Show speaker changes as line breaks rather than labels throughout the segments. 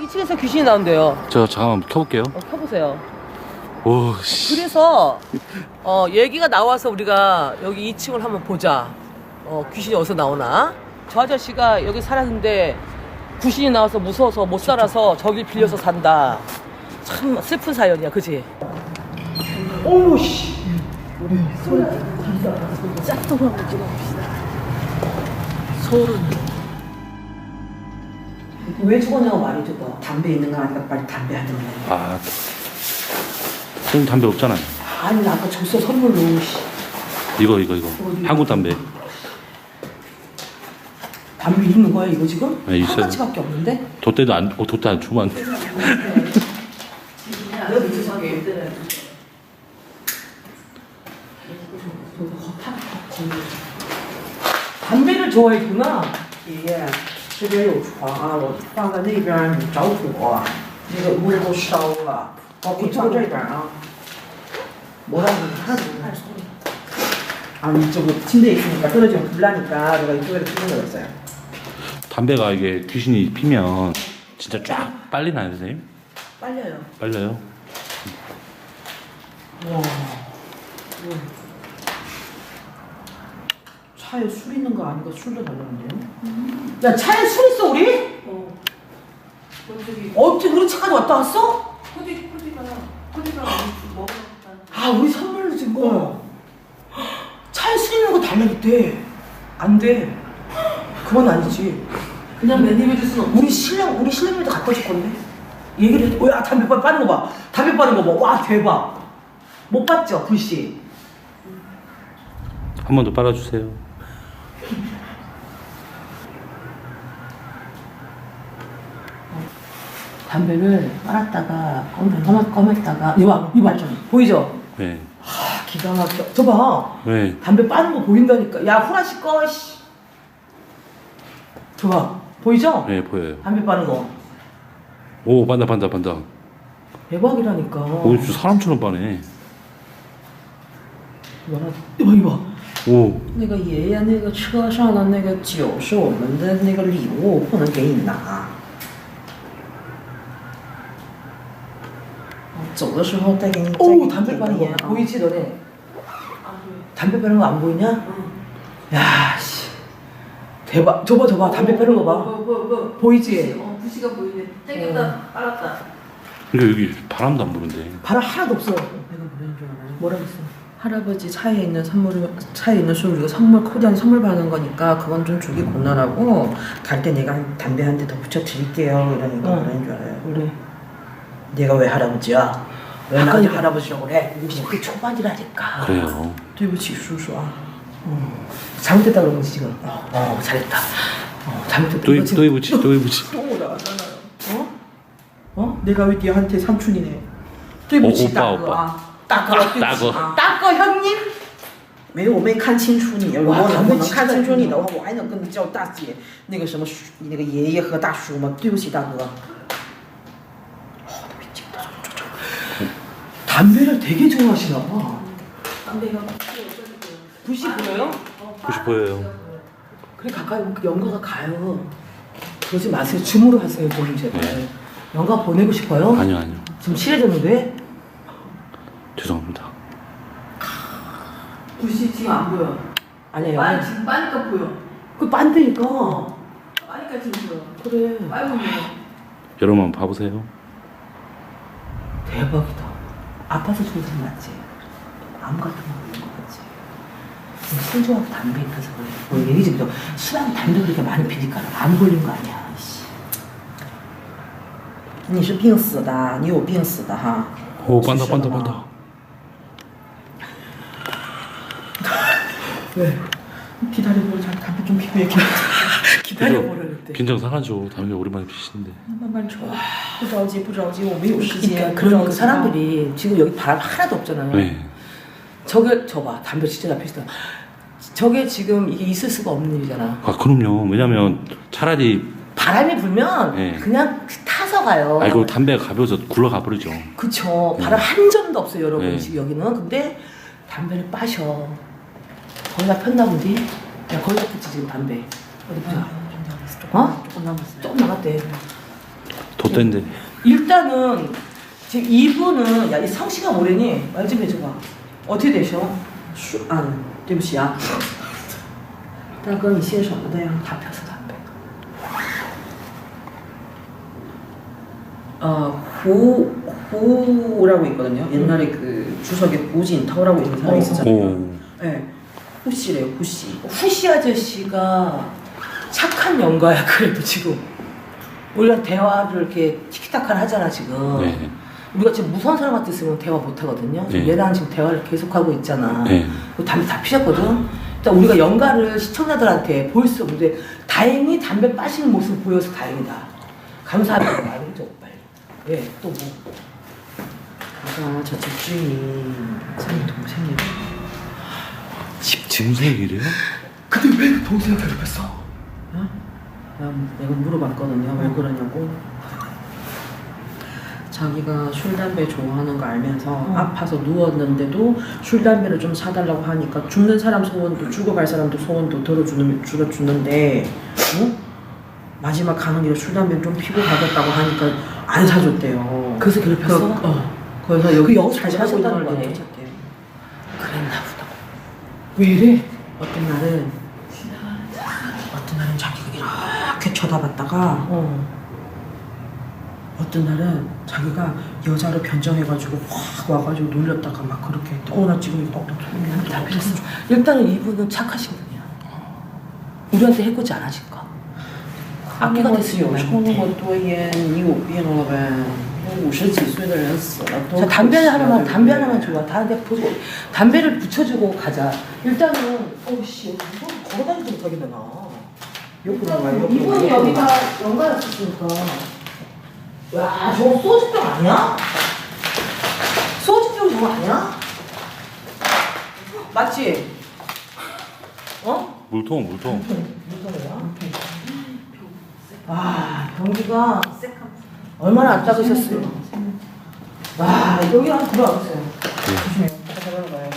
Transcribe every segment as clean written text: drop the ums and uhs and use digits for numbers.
2층에서 귀신이 나온대요.
저 잠깐만 켜볼게요.
켜보세요.
오, 씨.
그래서 얘기가 나와서 우리가 여기 2층을 한번 보자. 귀신이 어디서 나오나? 저 아저씨가 여기 살았는데 귀신이 나와서 무서워서 못 살아서 저길 빌려서 산다. 참 슬픈 사연이야, 그지? 어머 씨. 우리 짝퉁 한번 찍어봅시다. 서울은 왜 죽었냐고 말해줘. 너
담배 있는 거 아니까 빨리 담배 한 대.
아, 선생님 담배 없잖아요.
아니 나 아까 줬어 선물로. 씨.
이거. 한국 담배.
담배 있는 거야 이거 지금?
네, 있어요.
한 가지밖에 없는데?
돛대도 안 주면 안 돼.
여기 주사기 때는 담배를 좋아했구나.
爷爷，这边有床啊，我放在那边，你着火，那个屋都烧了。你放这边啊。
뭐라고 하나도 몰라.
아니 저거 침대에 있으니까 떨어지면 불나니까 내가 이쪽에다 피는 거였어요.
담배가 이게 귀신이 피면 진짜 쫙 빨리나요, 선생님?
빨려요.
빨려요?
와. 차에 술 있는 거 아닌가 술도 달라는데요?
야 차에 술 있어 우리? 어떻게 우리 차까지 왔다 왔어?
코디가 먹었다.
아 우리 선물로 준 거. 차에 술 있는 거 달라겠대. 안 돼. 그건 아니지.
그냥 매니메 줄 수는 없지.
우리 신랑님도 갖다 줄 건데. 얘기를 해. 야 담배 빠는 거 봐. 담배 빠는 거 봐. 와 대박. 못 봤죠 글씨.
한 번 더 빨아주세요.
담배를 빨았다가 검했다가 이봐 보이죠?
네.
아 기가 막혀. 저 봐.
네.
담배 빠는 거 보인다니까. 야 후라시 꺼 씨. 저 봐. 보이죠?
네, 보여요.
담배 빠는 거.
오, 반다.
대박이라니까.
오, 진짜 사람처럼 빠네.
이봐.
오,
那个爷爷那个车上的那个酒是我们的那个礼物，不能给你拿。走的时候再给你。
오 담배 빠는 거 보이지 너네? 담배 빠는 거 안 보이냐? 야 씨. 대박. 저봐 담배 빠는 거 봐. 보이지?
부시가 보이네. 땡겼다, 빨았다.
그러니까 여기 바람도 안 부는데.
바람 하나도 없어.
내가 보낸 줄 알아요.
뭐라고 했어?
할아버지 차에 있는 술 우리가 선물 코디한 선물 받는 거니까 그건 좀 주기 곤란하고 갈 때 내가 담배 한 대 더 붙여 드릴게요 이러니까 그런 줄 알아요.
그래.
내가 왜 할아버지야? 왜
아까
나한테
이거-
할아버지라고 그래?
20대 초반이라니까.
그래요.
对不起叔叔啊。
잘못했다 그런 거지 지금. 잘했다. 잘못했다.
또
이거 지금
해보지.
또 나잖아요. 어? 내가 왜 니한테 삼촌이네?
对不起
오빠,
大哥啊，大哥，对不起
따거.
啊，大哥형님。
没有，我没看清楚你。如果我
哇他们
能看清楚你的话，我还能跟你叫大姐，那个什么那个爷爷和大叔吗？对不起，大哥。
담배를 되게 좋아하시나 봐.
담배가
불씨 보여요?
혹시 보여요?
그래 가까이 오면 연가가 가요. 그러지 마세요. 줌으로 하세요 좀 제발.
네.
연가 보내고 싶어요?
아니요.
지금 친해졌는데?
죄송합니다.
부시 지금 안 보여.
아니에요.
지금 빠니까 보여.
그 빤데니까.
빠니까 지금 보여.
그래.
빨고 보여.
여러분 한번 봐보세요.
대박이다. 아파서 죽은 사람 맞지? 암 같은 거 걸린 거 같지? 술 좋아하고 담배 입혀서 그래. 뭐 얘기 좀 더. 술하고 담배 그렇게 많이 피니까 암 걸린 거 아니야. 씨.
你是病死的，你有病死的哈。
오, 반다.
왜? 기다려보려. 잘 담배 좀 피고 얘기. 기다려보려는데.
긴장 상하죠. 담배 오랜만에 피시는데.
慢慢抽，不着急，不着急，我们有时间。
그러니까 사람들이 지금 여기 바람 하나도 없잖아요.
네.
저봐 담배 진짜 잘 피시다. 저게 지금 이게 있을 수가 없는 일이잖아.
아, 그럼요. 왜냐면 차라리
바람이 불면
네.
그냥 타서 가요.
아이고 담배가 가벼워서 굴러가 버리죠.
그쵸. 바람 한 점도 없어요 여러분
네.
지금 여기는. 근데 담배를 빠셔. 거의 다 폈나 보지? 야 거의 다 폈지 지금 담배. 어디 보자.
좀 남았어.
어?
조금 남았어.
조금 남았대.
더 좆된데.
일단은 지금 이분은 야 이 성씨가 뭐래니? 말 좀 해줘봐. 어떻게 되셔?
对不起啊，大哥，你姓什么的呀？
다 펴서 담배.
후라고 있거든요. 옛날에 그 주석에 후진터라고 있는 사람이 있었잖아요.
오.
네, 후씨래요, 후씨.
후시 아저씨가 착한 영가야 그래도 지금 우리가 대화를 이렇게 티키타카를 하잖아 지금.
네.
우리가 지금 무서운 사람 같았으면 대화 못 하거든요. 지금
네.
얘랑 지금 대화를 계속하고 있잖아.
네.
담배 다 피셨거든. 일단 우리가 영가를 시청자들한테 보일 수 없는데 다행히 담배 빠시는 모습을 보여서 다행이다. 감사합니다. 말해줘 빨리. 예, 또 뭐?
아까 저 집주인이 사장님 동생이에요.
집 증색이래요?
근데 왜 동생을 괴롭혔어?
어? 내가 물어봤거든요. 왜 그러냐고. 자기가 술 담배 좋아하는 거 알면서 아파서 누웠는데도 술 담배를 좀 사달라고 하니까 죽는 사람 소원도 죽어갈 사람도 소원도 들어주는데 마지막 가는 길에 술 담배 좀 피고 가겠다고 하니까 안 사줬대요.
그래서 괴롭혔어?
그래서 여기
여기서
잘 살고 있는
하셨다는
걸
거네.
쫓았대요.
그랬나 보다. 왜 이래?
어떤 날은 자기가 이렇게 쳐다봤다가 어떤 날은 자기가 여자로 변정해가지고 확 와가지고 놀렸다가 막 그렇게 나 지금 떡떡 소리
다 필요했어. 일단은 이분은 착하신 분이야. 우리한테 해코지 안 하실 거. 악기가 됐으면
抽那么多烟，你有病了呗？50几岁的人死了都
자, 담배 하나만,
可惜了
담배 하나만 줘봐. 다한테 보고 담배를 붙여주고 가자. 일단은, 어우씨, 이거 걸어다니지 못하겠네, 나. 이분이 여기가 연가였으니까. 와, 저거 소주병 아니야? 소주병 저거 아니야? 맞지? 어?
물통.
무서워요? 와, 변기가 얼마나 안 작으셨어요? 와, 여기 한번 들어와보세요. 조심해요. 들어가요.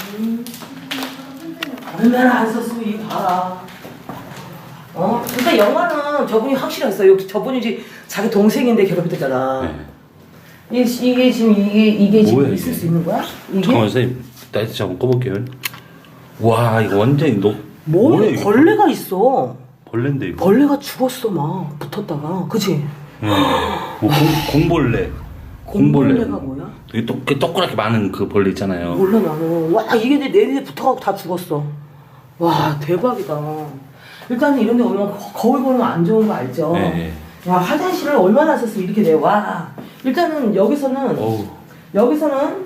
얼마나 안 썼으면 이 봐라. 일단 영화는 저분이 확실했어요. 저분이 이제 자기 동생인데 괴롭혔잖아.
네.
이게 지금 이게 지금
뭐야,
있을
이게?
수 있는 거야? 이게?
잠깐만 선생님 나이트 한번 꺼볼게요. 와 이거 완전히 뭐야
뭐야?
이거?
벌레가 있어.
벌레인데 이거.
벌레가 죽었어 막 붙었다가, 그치?
뭐 공벌레.
공벌레가 뭐야?
이게 동그랗게 많은 그 벌레 있잖아요.
몰라 나는. 와 이게 내 입에 붙어가고 다 죽었어. 와 대박이다. 일단은 이런 데 오면 거울 보는 거 안 좋은 거 알죠?
네.
야 화장실을 얼마나 썼으면 이렇게 돼. 와 일단은 여기서는
어우.
여기서는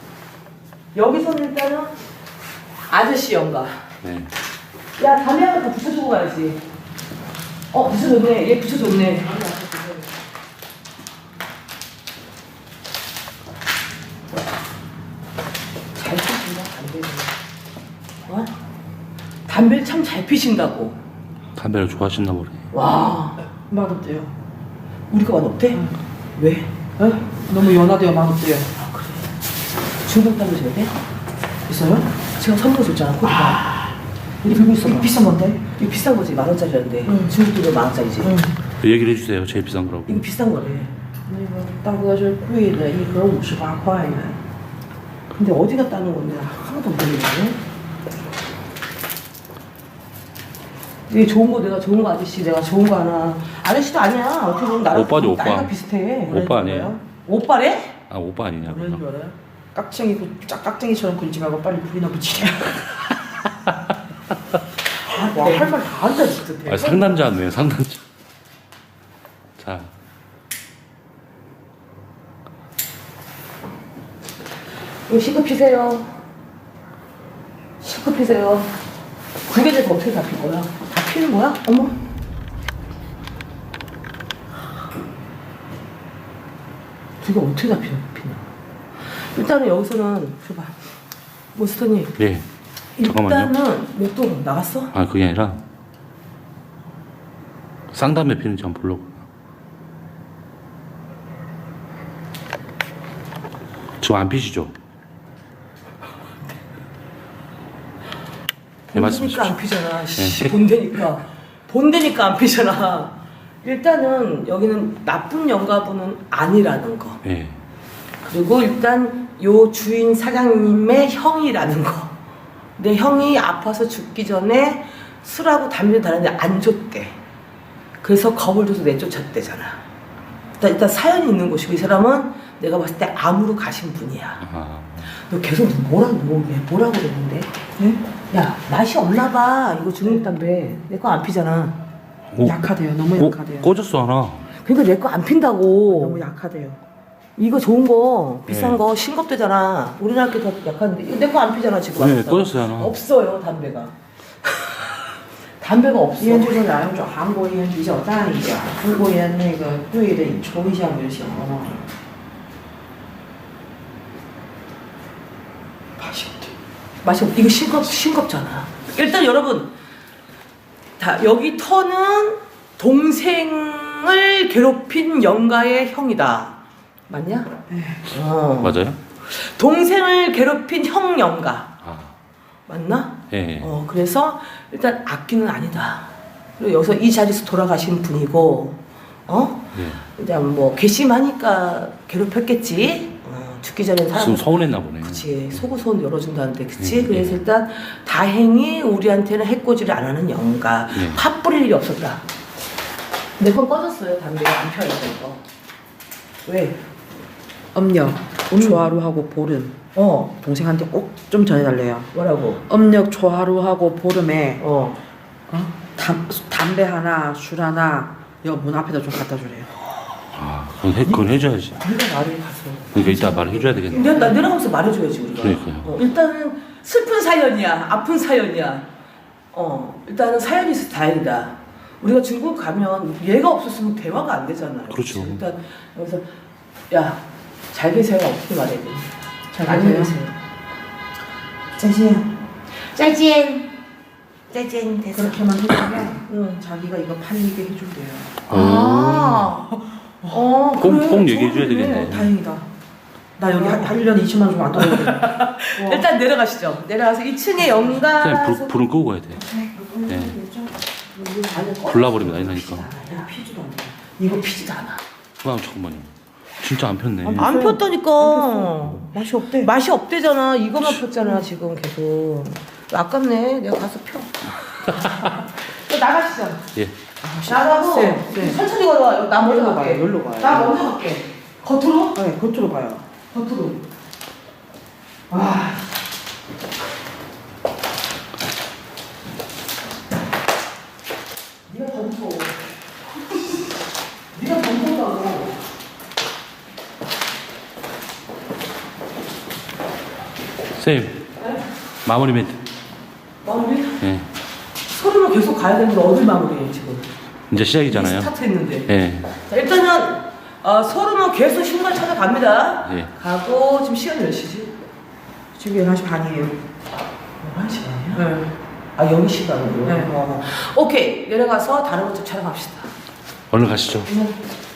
일단은 아저씨 영가.
네.
야 담배 하나 더 붙여주고 가야지. 붙여줬네. 얘 붙여줬네. 잘 피신다 담배를. 담배를 참 잘 피신다고.
담배를 좋아하시나 보네.
와
맛없대요.
우리가 맛없대? 왜?
너무 연하대요. 맛없대요.
아 그래. 중국 담배 줘야 돼? 있어요? 제가 선물 줬잖아 코디가. 우리 들고 있어.
이거 비싼 건데?
이거 비싼 거지 10,000원짜리인데. 중국 돈도 10,000원짜리지.
얘기를 해주세요. 제일 비싼 거라고.
이거 비싼 거래.
那个大哥是贵的，一盒58块呢。
근데 어디가 따는 건데 하나도 모르겠네. 이게 좋은 거 내가 좋은 거 아저씨 내가 좋은 거 하나. 아저씨도 아니야. 어떻게 보면 나랑
오빠죠, 오빠.
나이가 비슷해.
오빠 아니에요?
오빠래?
아 오빠 아니냐
뭐라는 줄
그럼.
알아요? 깍쟁이처럼 그리지 말고 빨리 불이나 붙이래.
와, 할 말 다 한다 진짜.
아 상담자 같네요 상담자. 자.
이거 실컷 피세요. 실컷 피세요. 두 개째 더 어떻게 다 필 거야? 다 피는 거야? 어머. 두 개 어떻게 다 피나? 일단은 여기서는 줘봐. 몬스터님.
네. 잠깐만요.
일단은 왜 또 나갔어?
아 그게 아니라 쌍담배 피는지 한번 보려고. 지금 안 피시죠? 네
본데니까
말씀하십시오.
안 피잖아. 씨,
네.
본데니까 안 피잖아. 일단은 여기는 나쁜 영가분은 아니라는 거.
예.
그리고 일단 요 주인 사장님의 형이라는 거. 내 형이 아파서 죽기 전에 술하고 담배를 달았는데 안 줬대. 그래서 겁을 줘서 내쫓았대잖아. 일단 사연이 있는 곳이고 이 사람은 내가 봤을 때 암으로 가신 분이야.
아.
너 계속 뭐라고 그랬는데? 응? 야 맛이 없나 봐. 이거 중국담배 내 거 안 피잖아.
약하대요. 너무 약하대요.
꺼졌어 하나.
그러니까 내 거 안 핀다고.
너무 약하대요.
이거 좋은 거 비싼
네.
거 싱겁대잖아. 우리나라 게 더 약한데 이거 내 거 안 피잖아 지금.
네,
왔어.
꺼졌어요 하나.
없어요 담배가. 담배가 없어.
烟就是两种，韩国烟比较淡一点，中国烟那个对的，你抽一下不就行了吗？
맛이 없. 이거 싱겁잖아. 일단 여러분 다 여기 터는 동생을 괴롭힌 영가의 형이다. 맞냐? 어.
맞아요?
동생을 괴롭힌 형 영가.
아.
맞나?
예.
그래서 일단 악기는 아니다. 그리고 여기서 이 자리에서 돌아가신 분이고,
예.
일단 뭐 괘씸하니까 괴롭혔겠지. 죽기 전에
좀
사람.
서운했나 보네.
그치. 속옷은 열어준다는데, 그치? 그래서 일단 다행히 우리한테는 해코지를 안 하는 영가.
예.
팥 뿌릴 일이 없었다. 내 건 꺼졌어요. 담배가 안 펴요, 이거. 왜?
음력, 초하루하고 보름. 동생한테 꼭 좀 전해달래요.
뭐라고?
음력 초하루하고 보름에
어.
담배 하나, 술 하나 여 문 앞에다 좀 갖다 주래요.
아, 그건 해줘야지.
네가 말을 가서.
그러니까 이따 말을 해줘야 되겠네.
내려가면서 말해줘야지 우리가.
그러니까요.
일단은 슬픈 사연이야, 아픈 사연이야. 일단은 사연이 있어서 다행이다. 우리가 중국 가면 얘가 없었으면 대화가 안 되잖아요.
그렇죠.
일단 여기서 야, 잘 계세요 어떻게 말해야 돼?
잘
안녕히
계세요.
계세요.
再见.
再见. 再见 됐어.
그렇게만 해주면 자기가 이거 팔리게 해준대요.
아.
꼭 얘기해줘야 되겠네.
다행이다. 나 여기 한 1년에 2천만 원 좀 안 떨어졌네.
일단 내려가시죠. 내려가서 2층에 연가.
그냥 불은 끄고 가야 돼. 네. 불 나버리면 난리 나니까.
이거 피지도 안 돼.
이거 피지도 않아.
아, 잠깐만요. 진짜 안 폈네.
안 폈다니까.
맛이 없대.
맛이 없대잖아. 이거만 폈잖아 지금 계속. 아깝네. 내가 가서 펴. 나가시죠.
예.
나가고
쌤.
천천히 걸어와. 나 먼저
여기로
갈게.
가요, 여기로 가요.
나 먼저 갈게. 겉으로?
네, 겉으로 가요.
겉으로. 와. 네가 더 무서워. 네가 더 무섭다고.
선생님, 마무리 멘트.
마무리?
예.
소리로 계속 가야 되는데 어딜 마무리해 지금?
이제 시작이잖아요.
스타트했는데.
예.
자, 일단은 소름은 계속 신발 찾아갑니다.
예.
가고 지금 시간 몇 시지?
지금 11시 반이에요.
11시 반이야?
네.
아 여기 시간으로?
네.
오케이 내려가서 다른 것좀 촬영합시다.
얼른 가시죠.
네.